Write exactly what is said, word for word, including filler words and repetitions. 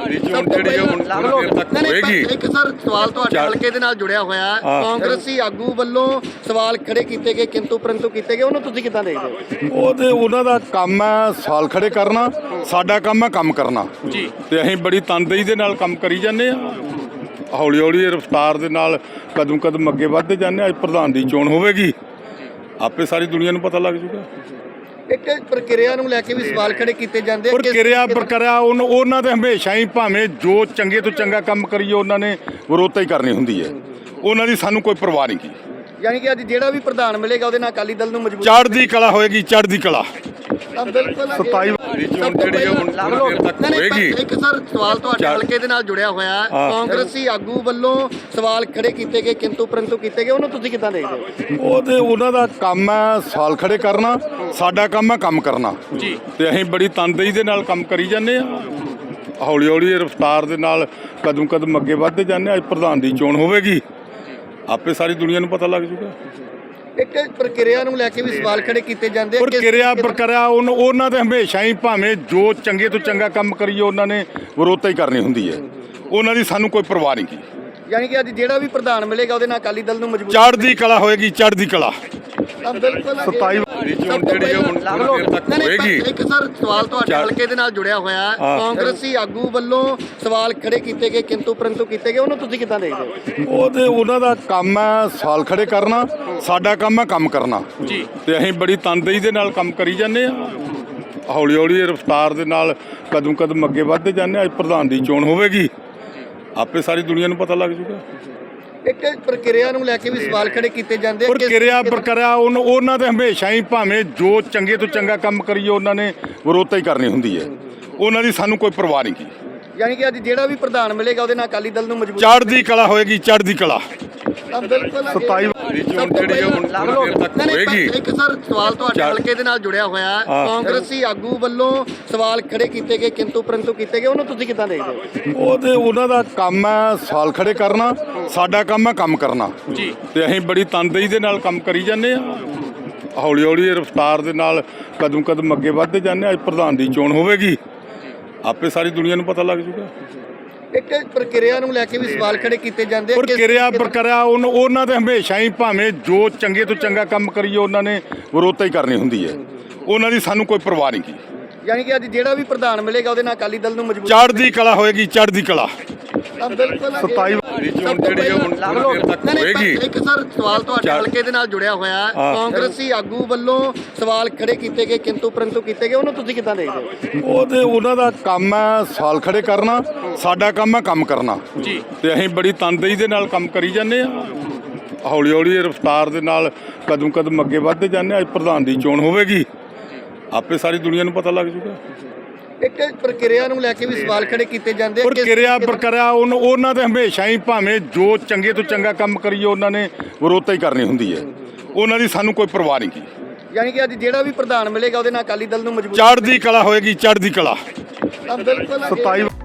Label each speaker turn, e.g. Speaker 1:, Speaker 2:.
Speaker 1: ਦੀ ਚੋਣ ਜਿਹੜੀ ਆ ਹੁਣ ਥੋੜੀ ਦੇਰ ਤੱਕ ਹੋਏਗੀ।
Speaker 2: ਇੱਕ ਸਰ ਸਵਾਲ ਤੁਹਾਡੇ ਹਲਕੇ ਦੇ ਨਾਲ ਜੁੜਿਆ ਹੋਇਆ ਕਾਂਗਰਸੀ ਆਗੂ ਵੱਲੋਂ ਸਵਾਲ ਖੜੇ ਕੀਤੇ ਗਏ ਕਿੰਤੂ ਪਰੰਤੂ ਕੀਤੇ ਗਏ, ਉਹਨੂੰ ਤੁਸੀਂ ਕਿੱਦਾਂ ਦੇਖਦੇ ਹੋ?
Speaker 3: ਉਹ ਤੇ ਉਹਨਾਂ ਦਾ ਕੰਮ ਹੈ ਸਵਾਲ ਖੜੇ ਕਰਨਾ, ਸਾਡਾ ਕੰਮ ਹੈ ਕੰਮ ਕਰਨਾ
Speaker 1: ਜੀ।
Speaker 3: ਤੇ ਅਸੀਂ ਬੜੀ ਤਨਦੇਹੀ ਦੇ ਨਾਲ ਕੰਮ ਕਰੀ ਜਾਂਦੇ ਆ, ਹੌਲੀ ਹੌਲੀ ਰਫ਼ਤਾਰ ਦੇ ਨਾਲ ਕਦਮ ਕਦਮ ਅੱਗੇ ਵੱਧਦੇ ਜਾਂਦੇ ਆ। ਅੱਜ ਪ੍ਰਧਾਨ ਦੀ ਚੋਣ ਹੋਵੇਗੀ, ਆਪੇ ਸਾਰੀ ਦੁਨੀਆ ਨੂੰ ਪਤਾ ਲੱਗ ਜੂਗਾ।
Speaker 2: ਇੱਕ ਪ੍ਰਕਿਰਿਆ ਨੂੰ ਲੈ ਕੇ ਵੀ ਸਵਾਲ ਖੜੇ ਕੀਤੇ ਜਾਂਦੇ ਆ।
Speaker 3: ਪ੍ਰਕਿਰਿਆ ਪ੍ਰਕਿਰਿਆ ਉਹਨਾਂ ਦੇ ਹਮੇਸ਼ਾ ਹੀ ਭਾਵੇਂ ਜੋ ਚੰਗੇ ਤੋਂ ਚੰਗਾ ਕੰਮ ਕਰੀਏ ਉਹਨਾਂ ਨੇ ਵਿਰੋਧਤਾ ਹੀ ਕਰਨੀ ਹੁੰਦੀ ਹੈ, ਉਹਨਾਂ ਦੀ ਸਾਨੂੰ ਕੋਈ ਪਰਵਾਹ ਨਹੀਂ।
Speaker 2: ਯਾਨੀ ਕਿ ਅੱਜ ਜਿਹੜਾ ਵੀ ਪ੍ਰਧਾਨ ਮਿਲੇਗਾ ਉਹਦੇ ਨਾਲ ਅਕਾਲੀ ਦਲ ਨੂੰ ਮਜ਼ਬੂਤ
Speaker 3: ਚੜ੍ਹਦੀ ਕਲਾ ਹੋਏਗੀ, ਚੜ੍ਹਦੀ ਕਲਾ।
Speaker 2: ਸਤਾਈ
Speaker 1: ਦੀ ਚੋਣ ਜਿਹੜੀ ਆ ਹੁਣ ਥੋੜੀ ਦੇਰ ਤੱਕ ਹੋਏਗੀ।
Speaker 2: ਇੱਕ ਸਰ ਸਵਾਲ ਤੁਹਾਡੇ ਹਲਕੇ ਦੇ ਨਾਲ ਜੁੜਿਆ ਹੋਇਆ ਕਾਂਗਰਸੀ ਆਗੂ ਵੱਲੋਂ ਸਵਾਲ ਖੜੇ ਕੀਤੇ ਗਏ ਕਿੰਤੂ ਪਰੰਤੂ ਕੀਤੇ ਗਏ, ਉਹਨੂੰ ਤੁਸੀਂ ਕਿੱਦਾਂ ਦੇਖਦੇ ਹੋ?
Speaker 3: ਉਹ ਤੇ ਉਹਨਾਂ ਦਾ ਕੰਮ ਹੈ ਸਵਾਲ ਖੜੇ ਕਰਨਾ, ਸਾਡਾ ਕੰਮ ਹੈ ਕੰਮ ਕਰਨਾ
Speaker 1: ਜੀ।
Speaker 3: ਤੇ ਅਸੀਂ ਬੜੀ ਤਨਦੇਹੀ ਦੇ ਨਾਲ ਕੰਮ ਕਰੀ ਜਾਂਦੇ ਆ, ਹੌਲੀ ਹੌਲੀ ਰਫ਼ਤਾਰ ਦੇ ਨਾਲ ਕਦਮ ਕਦਮ ਅੱਗੇ ਵੱਧਦੇ ਜਾਂਦੇ ਆ। ਅੱਜ ਪ੍ਰਧਾਨ ਦੀ ਚੋਣ ਹੋਵੇਗੀ, ਆਪੇ ਸਾਰੀ ਦੁਨੀਆ ਨੂੰ ਪਤਾ ਲੱਗ ਜੂਗਾ।
Speaker 2: ਇੱਕ ਪ੍ਰਕਿਰਿਆ ਨੂੰ ਲੈ ਕੇ ਵੀ ਸਵਾਲ ਖੜੇ ਕੀਤੇ ਜਾਂਦੇ ਆ।
Speaker 3: ਪ੍ਰਕਿਰਿਆ ਪ੍ਰਕਿਰਿਆ ਉਹਨਾਂ ਦੇ ਹਮੇਸ਼ਾ ਹੀ ਭਾਵੇਂ ਜੋ ਚੰਗੇ ਤੋਂ ਚੰਗਾ ਕੰਮ ਕਰੀਏ ਉਹਨਾਂ ਨੇ ਵਿਰੋਧਤਾ ਹੀ ਕਰਨੀ ਹੁੰਦੀ ਹੈ, ਉਹਨਾਂ ਦੀ ਸਾਨੂੰ ਕੋਈ ਪਰਵਾਹ ਨਹੀਂ।
Speaker 2: ਯਾਨੀ ਕਿ ਅੱਜ ਜਿਹੜਾ ਵੀ ਪ੍ਰਧਾਨ ਮਿਲੇਗਾ ਉਹਦੇ ਨਾਲ ਅਕਾਲੀ ਦਲ ਨੂੰ ਮਜ਼ਬੂਤ
Speaker 3: ਚੜ੍ਹਦੀ ਕਲਾ ਹੋਏਗੀ, ਚੜ੍ਹਦੀ ਕਲਾ।
Speaker 2: ਸਤਾਈ
Speaker 1: ਦੀ ਚੋਣ ਜਿਹੜੀ ਆ ਹੁਣ ਥੋੜੀ ਦੇਰ ਤੱਕ ਹੋਏਗੀ।
Speaker 2: ਇੱਕ ਸਰ ਸਵਾਲ ਤੁਹਾਡੇ ਹਲਕੇ ਦੇ ਨਾਲ ਜੁੜਿਆ ਹੋਇਆ ਕਾਂਗਰਸੀ ਆਗੂ ਵੱਲੋਂ ਸਵਾਲ ਖੜੇ ਕੀਤੇ ਗਏ ਕਿੰਤੂ ਪਰੰਤੂ ਕੀਤੇ ਗਏ, ਉਹਨੂੰ ਤੁਸੀਂ ਕਿੱਦਾਂ ਦੇਖਦੇ ਹੋ?
Speaker 3: ਉਹ ਤੇ ਉਹਨਾਂ ਦਾ ਕੰਮ ਹੈ ਸਵਾਲ ਖੜੇ ਕਰਨਾ, ਸਾਡਾ ਕੰਮ ਹੈ ਕੰਮ ਕਰਨਾ
Speaker 1: ਜੀ।
Speaker 3: ਤੇ ਅਸੀਂ ਬੜੀ ਤਨਦੇਹੀ ਦੇ ਨਾਲ ਕੰਮ ਕਰੀ ਜਾਂਦੇ ਆ, ਹੌਲੀ ਹੌਲੀ ਰਫ਼ਤਾਰ ਦੇ ਨਾਲ ਕਦਮ ਕਦਮ ਅੱਗੇ ਵੱਧਦੇ ਜਾਂਦੇ ਆ। ਅੱਜ ਪ੍ਰਧਾਨ ਦੀ ਚੋਣ ਹੋਵੇਗੀ, ਆਪੇ ਸਾਰੀ ਦੁਨੀਆ ਨੂੰ ਪਤਾ ਲੱਗ ਜੂਗਾ।
Speaker 2: ਇੱਕ ਪ੍ਰਕਿਰਿਆ ਨੂੰ ਲੈ ਕੇ ਵੀ ਸਵਾਲ ਖੜੇ ਕੀਤੇ ਜਾਂਦੇ ਆ।
Speaker 3: ਪ੍ਰਕਿਰਿਆ ਪ੍ਰਕਿਰਿਆ ਉਹਨਾਂ ਦੇ ਹਮੇਸ਼ਾ ਹੀ ਭਾਵੇਂ ਜੋ ਚੰਗੇ ਤੋਂ ਚੰਗਾ ਕੰਮ ਕਰੀਏ ਉਹਨਾਂ ਨੇ ਵਿਰੋਧਤਾ ਹੀ ਕਰਨੀ ਹੁੰਦੀ ਹੈ, ਉਹਨਾਂ ਦੀ ਸਾਨੂੰ ਕੋਈ ਪਰਵਾਹ ਨਹੀਂ।
Speaker 2: ਯਾਨੀ ਕਿ ਅੱਜ ਜਿਹੜਾ ਵੀ ਪ੍ਰਧਾਨ ਮਿਲੇਗਾ ਉਹਦੇ ਨਾਲ ਅਕਾਲੀ ਦਲ ਨੂੰ ਮਜ਼ਬੂਤ
Speaker 3: ਚੜ੍ਹਦੀ ਕਲਾ ਹੋਏਗੀ, ਚੜ੍ਹਦੀ ਕਲਾ।
Speaker 2: ਸਤਾਈ
Speaker 1: ਦੀ ਚੋਣ ਜਿਹੜੀ ਆ ਹੁਣ ਥੋੜੀ ਦੇਰ ਤੱਕ ਹੋਏਗੀ।
Speaker 2: ਇੱਕ ਸਰ ਸਵਾਲ ਤੁਹਾਡੇ ਹਲਕੇ ਦੇ ਨਾਲ ਜੁੜਿਆ ਹੋਇਆ ਕਾਂਗਰਸੀ ਆਗੂ ਵੱਲੋਂ ਸਵਾਲ ਖੜੇ ਕੀਤੇ ਗਏ ਕਿੰਤੂ ਪਰੰਤੂ ਕੀਤੇ ਗਏ, ਉਹਨੂੰ ਤੁਸੀਂ ਕਿੱਦਾਂ ਦੇਖਦੇ ਹੋ?
Speaker 3: ਉਹ ਤੇ ਉਹਨਾਂ ਦਾ ਕੰਮ ਹੈ ਸਵਾਲ ਖੜੇ ਕਰਨਾ, ਸਾਡਾ ਕੰਮ ਹੈ ਕੰਮ ਕਰਨਾ
Speaker 1: ਜੀ।
Speaker 3: ਤੇ ਅਸੀਂ ਬੜੀ ਤਨਦੇਹੀ ਦੇ ਨਾਲ ਕੰਮ ਕਰੀ ਜਾਂਦੇ ਆ, ਹੌਲੀ ਹੌਲੀ ਰਫ਼ਤਾਰ ਦੇ ਨਾਲ ਕਦਮ ਕਦਮ ਅੱਗੇ ਵੱਧਦੇ ਜਾਂਦੇ ਆ। ਅੱਜ ਪ੍ਰਧਾਨ ਦੀ ਚੋਣ ਹੋਵੇਗੀ, ਆਪੇ ਸਾਰੀ ਦੁਨੀਆ ਨੂੰ ਪਤਾ ਲੱਗ ਜੂਗਾ।
Speaker 2: ਇੱਕ ਪ੍ਰਕਿਰਿਆ ਨੂੰ ਲੈ ਕੇ ਵੀ ਸਵਾਲ ਖੜੇ ਕੀਤੇ ਜਾਂਦੇ ਆ।
Speaker 3: ਪ੍ਰਕਿਰਿਆ ਪ੍ਰਕਿਰਿਆ ਉਹਨਾਂ ਦੇ ਹਮੇਸ਼ਾ ਹੀ ਭਾਵੇਂ ਜੋ ਚੰਗੇ ਤੋਂ ਚੰਗਾ ਕੰਮ ਕਰੀਏ ਉਹਨਾਂ ਨੇ ਵਿਰੋਧਤਾ ਹੀ ਕਰਨੀ ਹੁੰਦੀ ਹੈ, ਉਹਨਾਂ ਦੀ ਸਾਨੂੰ ਕੋਈ ਪਰਵਾਹ ਨਹੀਂ।
Speaker 2: ਯਾਨੀ ਕਿ ਅੱਜ ਜਿਹੜਾ ਵੀ ਪ੍ਰਧਾਨ ਮਿਲੇਗਾ ਉਹਦੇ ਨਾਲ ਅਕਾਲੀ ਦਲ ਨੂੰ ਮਜ਼ਬੂਤ
Speaker 3: ਚੜ੍ਹਦੀ ਕਲਾ ਹੋਏਗੀ, ਚੜ੍ਹਦੀ ਕਲਾ।
Speaker 2: ਸਤਾਈ
Speaker 1: ਦੀ ਚੋਣ ਜਿਹੜੀ ਆ ਹੁਣ ਥੋੜੀ ਦੇਰ ਤੱਕ ਹੋਏਗੀ।
Speaker 2: ਇੱਕ ਸਰ ਸਵਾਲ ਤੁਹਾਡੇ ਹਲਕੇ ਦੇ ਨਾਲ ਜੁੜਿਆ ਹੋਇਆ ਕਾਂਗਰਸੀ ਆਗੂ ਵੱਲੋਂ ਸਵਾਲ ਖੜੇ ਕੀਤੇ ਗਏ ਕਿੰਤੂ ਪਰੰਤੂ ਕੀਤੇ ਗਏ, ਉਹਨੂੰ ਤੁਸੀਂ ਕਿੱਦਾਂ ਦੇਖਦੇ ਹੋ?
Speaker 3: ਉਹ ਤੇ ਉਹਨਾਂ ਦਾ ਕੰਮ ਹੈ ਸਵਾਲ ਖੜੇ ਕਰਨਾ, ਸਾਡਾ ਕੰਮ ਹੈ ਕੰਮ ਕਰਨਾ
Speaker 1: ਜੀ।
Speaker 3: ਤੇ ਅਸੀਂ ਬੜੀ ਤਨਦੇਹੀ ਦੇ ਨਾਲ ਕੰਮ ਕਰੀ ਜਾਂਦੇ ਆ, ਹੌਲੀ ਹੌਲੀ ਰਫ਼ਤਾਰ ਦੇ ਨਾਲ ਕਦਮ ਕਦਮ ਅੱਗੇ ਵੱਧਦੇ ਜਾਂਦੇ ਆ। ਅੱਜ ਪ੍ਰਧਾਨ ਦੀ ਚੋਣ ਹੋਵੇਗੀ, ਆਪੇ ਸਾਰੀ ਦੁਨੀਆ ਨੂੰ ਪਤਾ ਲੱਗ ਜੂਗਾ।
Speaker 2: ਇੱਕ ਪ੍ਰਕਿਰਿਆ ਨੂੰ ਲੈ ਕੇ ਵੀ ਸਵਾਲ ਖੜੇ ਕੀਤੇ ਜਾਂਦੇ ਆ।
Speaker 3: ਪ੍ਰਕਿਰਿਆ ਪ੍ਰਕਿਰਿਆ ਉਹਨਾਂ ਦੇ ਹਮੇਸ਼ਾ ਹੀ ਭਾਵੇਂ ਜੋ ਚੰਗੇ ਤੋਂ ਚੰਗਾ ਕੰਮ ਕਰੀਏ ਉਹਨਾਂ ਨੇ ਵਿਰੋਧਤਾ ਹੀ ਕਰਨੀ ਹੁੰਦੀ ਹੈ, ਉਹਨਾਂ ਦੀ ਸਾਨੂੰ ਕੋਈ ਪਰਵਾਹ ਨਹੀਂ।
Speaker 2: ਯਾਨੀ ਕਿ ਅੱਜ ਜਿਹੜਾ ਵੀ ਪ੍ਰਧਾਨ ਮਿਲੇਗਾ ਉਹਦੇ ਨਾਲ ਅਕਾਲੀ ਦਲ ਨੂੰ ਮਜ਼ਬੂਤ
Speaker 3: ਚੜ੍ਹਦੀ ਕਲਾ ਹੋਏਗੀ, ਚੜ੍ਹਦੀ ਕਲਾ।
Speaker 2: ਸਤਾਈ